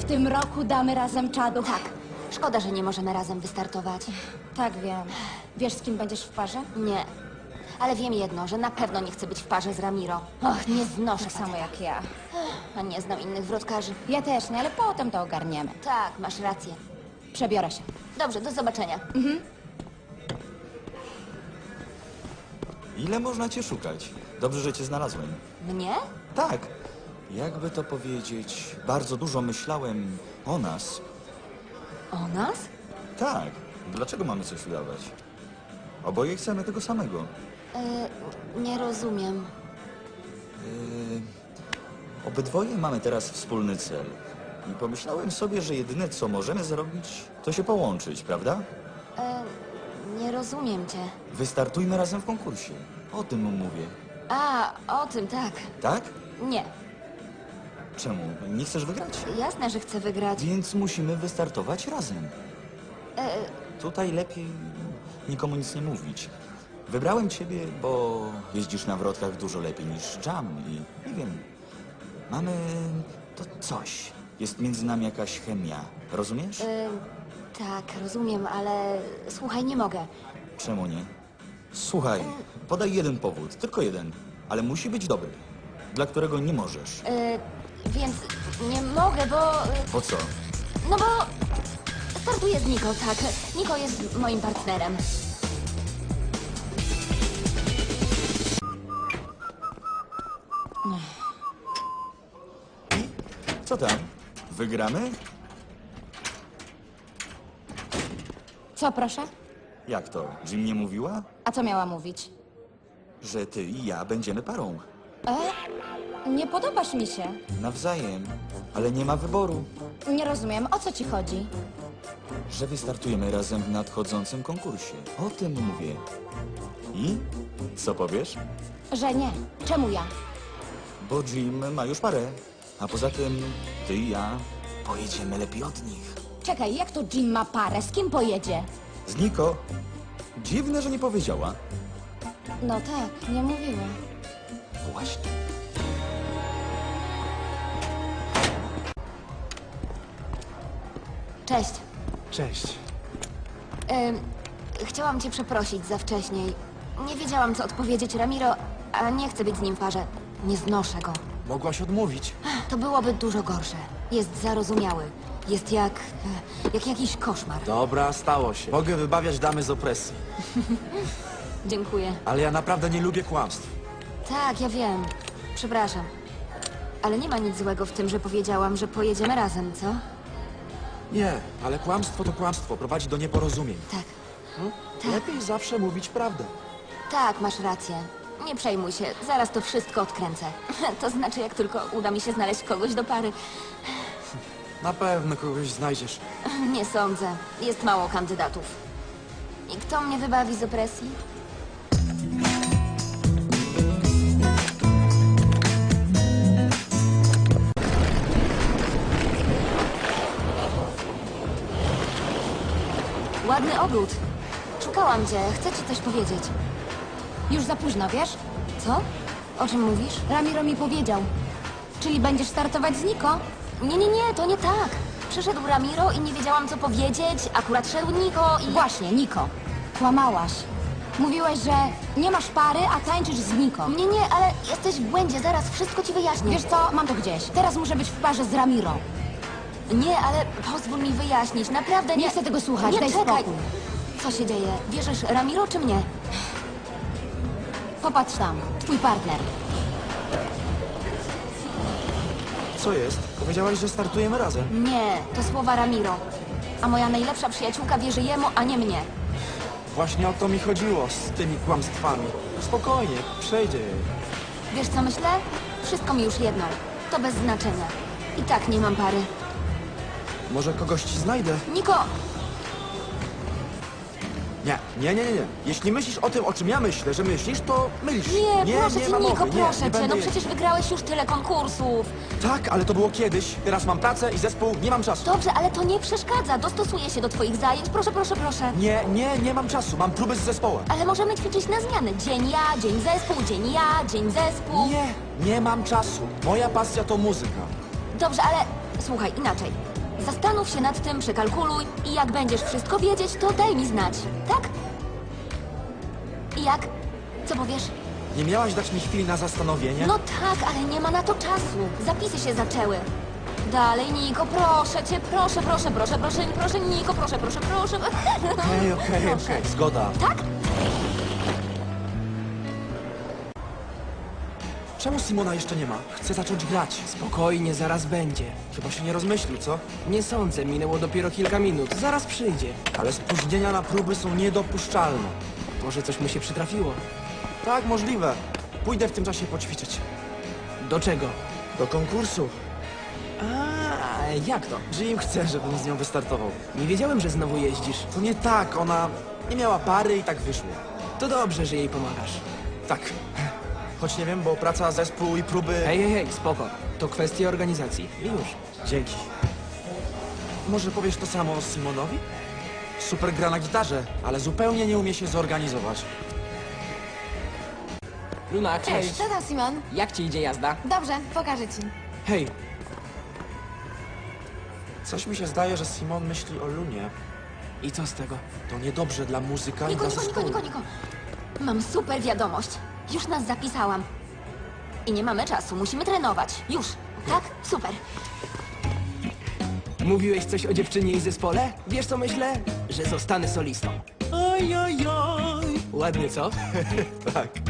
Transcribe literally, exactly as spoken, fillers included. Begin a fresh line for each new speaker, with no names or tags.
W tym roku damy razem czadu.
Tak. Szkoda, że nie możemy razem wystartować.
Tak, wiem. Wiesz, z kim będziesz w parze?
Nie. Ale wiem jedno, że na pewno nie chcę być w parze z Ramiro. Och, nie znoszę
Tak
faceta.
samo jak ja.
A nie znam innych wrotkarzy.
Ja też nie, ale potem to ogarniemy.
Tak, masz rację.
Przebiorę się.
Dobrze, do zobaczenia.
Ile można cię szukać? Dobrze, że cię znalazłem.
Mnie?
Tak. Jakby to powiedzieć, bardzo dużo myślałem o nas.
O nas?
Tak. Dlaczego mamy coś udawać? Oboje chcemy tego samego.
E, nie rozumiem.
Yy, obydwoje mamy teraz wspólny cel. I pomyślałem sobie, że jedyne co możemy zrobić, to się połączyć, prawda?
E, nie rozumiem cię.
Wystartujmy razem w konkursie. O tym mówię.
A, o tym tak.
Tak?
Nie.
Czemu? Nie chcesz wygrać?
Jasne, że chcę wygrać.
Więc musimy wystartować razem.
E,
Tutaj lepiej nikomu nic nie mówić. Wybrałem ciebie, bo jeździsz na wrotkach dużo lepiej niż Jam i nie wiem, mamy to coś. Jest między nami jakaś chemia. Rozumiesz?
e, tak, rozumiem, ale słuchaj, nie mogę.
Czemu nie? Słuchaj, podaj jeden powód, tylko jeden, ale musi być dobry, dla którego nie możesz.
E, więc nie mogę, bo... e,
Po co?
No bo startuję z Niko, tak. Niko jest moim partnerem.
Co tam? Wygramy?
Co, proszę?
Jak to? Jim nie mówiła?
A co miała mówić?
Że ty i ja będziemy parą.
E? Nie podobasz mi się.
Nawzajem, ale nie ma wyboru.
Nie rozumiem, o co ci chodzi?
Że wystartujemy razem w nadchodzącym konkursie. O tym mówię. I? Co powiesz?
Że nie. Czemu ja?
Bo Jim ma już parę. A poza tym, ty i ja pojedziemy lepiej od nich.
Czekaj, jak to Jim ma parę? Z kim pojedzie?
Z Niko? Dziwne, że nie powiedziała.
No tak, nie mówiła.
Właśnie.
Cześć.
Cześć.
Em, chciałam cię przeprosić za wcześniej. Nie wiedziałam, co odpowiedzieć Ramiro, a nie chcę być z nim w parze. Nie znoszę go.
Mogłaś odmówić.
To byłoby dużo gorsze. Jest zarozumiały. Jest jak... e, jak jakiś koszmar.
Dobra, stało się. Mogę wybawiać damy z opresji.
Dziękuję.
Ale ja naprawdę nie lubię kłamstw.
Tak, ja wiem. Przepraszam. Ale nie ma nic złego w tym, że powiedziałam, że pojedziemy razem, co?
Nie, ale kłamstwo to kłamstwo. Prowadzi do nieporozumień.
Tak.
Tak. Lepiej zawsze mówić prawdę.
Tak, masz rację. Nie przejmuj się, zaraz to wszystko odkręcę. To znaczy, jak tylko uda mi się znaleźć kogoś do pary.
Na pewno kogoś znajdziesz.
Nie sądzę. Jest mało kandydatów. I kto mnie wybawi z opresji? Ładny ogród. Szukałam cię. Chcę ci coś powiedzieć.
Już za późno, wiesz?
Co? O czym mówisz?
Ramiro mi powiedział. Czyli będziesz startować z Niko?
Nie, nie, nie, to nie tak. Przyszedł Ramiro i nie wiedziałam, co powiedzieć. Akurat szedł Niko i...
Właśnie, Niko. Kłamałaś. Mówiłaś, że nie masz pary, a tańczysz z Niko.
Nie, nie, ale jesteś w błędzie. Zaraz wszystko ci wyjaśnię.
Wiesz co, mam to gdzieś. Teraz muszę być w parze z Ramiro.
Nie, ale pozwól mi wyjaśnić. Naprawdę nie...
Nie chcę tego słuchać,
Nie,
daj
czekaj.
spokój.
Co się dzieje? Wierzysz Ramiro czy mnie?
Popatrz tam, twój partner.
Co jest? Powiedziałaś, że startujemy razem.
Nie, to słowa Ramiro. A moja najlepsza przyjaciółka wierzy jemu, a nie mnie.
Właśnie o to mi chodziło z tymi kłamstwami. Spokojnie, przejdzie jej.
Wiesz co myślę? Wszystko mi już jedno. To bez znaczenia. I tak nie mam pary.
Może kogoś ci znajdę?
Niko,
Nie, nie, nie, nie, nie. Jeśli myślisz o tym, o czym ja myślę, że myślisz, to mylisz.
nie,
nie
proszę
nie
cię,
ma
Niko,
mowy, nie,
proszę
nie
cię.
będę
No
jeździć.
przecież wygrałeś już tyle konkursów.
Tak, ale to było kiedyś. Teraz mam pracę i zespół, nie mam czasu.
Dobrze, ale to nie przeszkadza. Dostosuję się do twoich zajęć. Proszę, proszę, proszę.
Nie, nie, nie mam czasu. Mam próby z zespołem.
Ale możemy ćwiczyć na zmiany. Dzień ja, dzień zespół, dzień ja, dzień zespół.
Nie, nie mam czasu. Moja pasja to muzyka.
Dobrze, ale Słuchaj, inaczej. Zastanów się nad tym, przekalkuluj i jak będziesz wszystko wiedzieć, to daj mi znać, tak? I jak? Co powiesz?
Nie miałaś dać mi chwili na zastanowienie?
No tak, ale nie ma na to czasu. Zapisy się zaczęły. Dalej, Niko, proszę cię, proszę, proszę, proszę, proszę, proszę, Niko, proszę, proszę, proszę.
Okej, okej,
Proszę.
okej, zgoda.
Tak?
Czemu Simona jeszcze nie ma? Chcę zacząć grać.
Spokojnie, zaraz będzie.
Chyba się nie rozmyślił, co?
Nie sądzę, minęło dopiero kilka minut. Zaraz przyjdzie.
Ale spóźnienia na próby są niedopuszczalne.
Może coś mu się przytrafiło.
Tak, możliwe. Pójdę w tym czasie poćwiczyć.
Do czego?
Do konkursu.
A, jak to?
Jim chce, żebym z nią wystartował.
Nie wiedziałem, że znowu jeździsz.
To nie tak, ona nie miała pary i tak wyszło.
To dobrze, że jej pomagasz.
Tak. Choć nie wiem, bo praca, zespół i próby...
Hej, hej, hej, spoko. To kwestia organizacji. I już.
Dzięki. Może powiesz to samo Simonowi? Super gra na gitarze, ale zupełnie nie umie się zorganizować.
Luna, cześć.
Co tam, Simon?
Jak ci idzie jazda?
Dobrze, pokażę ci.
Hej,
Coś mi się zdaje, że Simon myśli o Lunie.
i co z tego?
To niedobrze dla muzyka i
Niko,
dla
Niko, Niko,
zespołu.
Niko, Niko. Mam super wiadomość. Już nas zapisałam. I nie mamy czasu, musimy trenować. Już. Tak? Super.
Mówiłeś coś o dziewczynie i zespole? Wiesz co myślę? Że zostanę solistą. Oj, oj, oj. Ładnie, co?
Tak.